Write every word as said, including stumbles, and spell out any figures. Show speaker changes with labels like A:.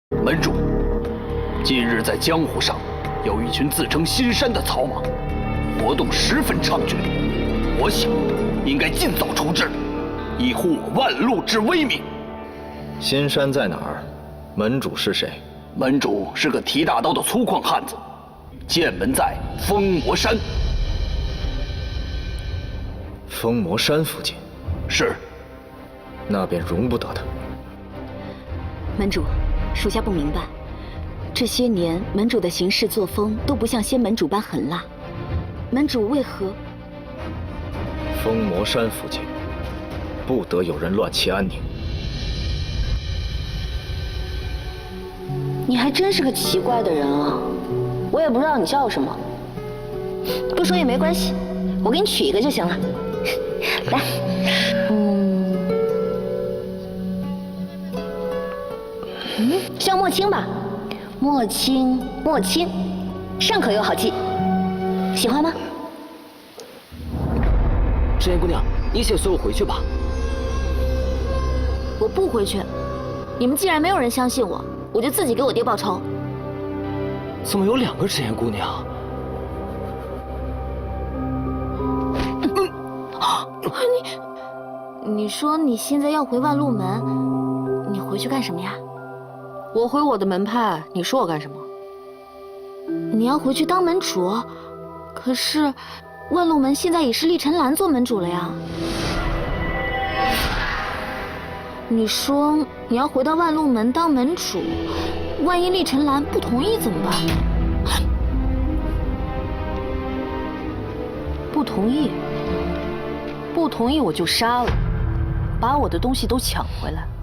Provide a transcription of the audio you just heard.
A: 门主，近日在江湖上有一群自称新山的草莽，活动十分猖獗，我想应该尽早除之，以护我万路之威名。
B: 新山在哪儿？门主是谁？
A: 门主是个提大刀的粗犷汉子，剑门在封魔山。
B: 封魔山附近？
A: 是。
B: 那便容不得他。
C: 门主，属下不明白，这些年门主的行事作风都不像仙门主般狠辣，门主为何？
B: 封魔山附近，不得有人乱其安宁。
C: 你还真是个奇怪的人啊！我也不知道你叫什么，不说也没关系，我给你取一个就行了。来，嗯，嗯，叫莫青吧，莫青，莫青，上口又好记，喜欢吗？
D: 赤焰姑娘，你先随我回去吧。
C: 我不回去，你们既然没有人相信我，我就自己给我爹报仇。
D: 怎么有两个赤焰姑娘？
C: 你，你说你现在要回万路门，你回去干什么呀？
E: 我回我的门派，你说我干什么？
C: 你要回去当门主，可是万路门现在已是厉晨兰做门主了呀。你说你要回到万路门当门主，万一厉晨兰不同意怎么办？
E: 不同意，不同意我就杀了，把我的东西都抢回来。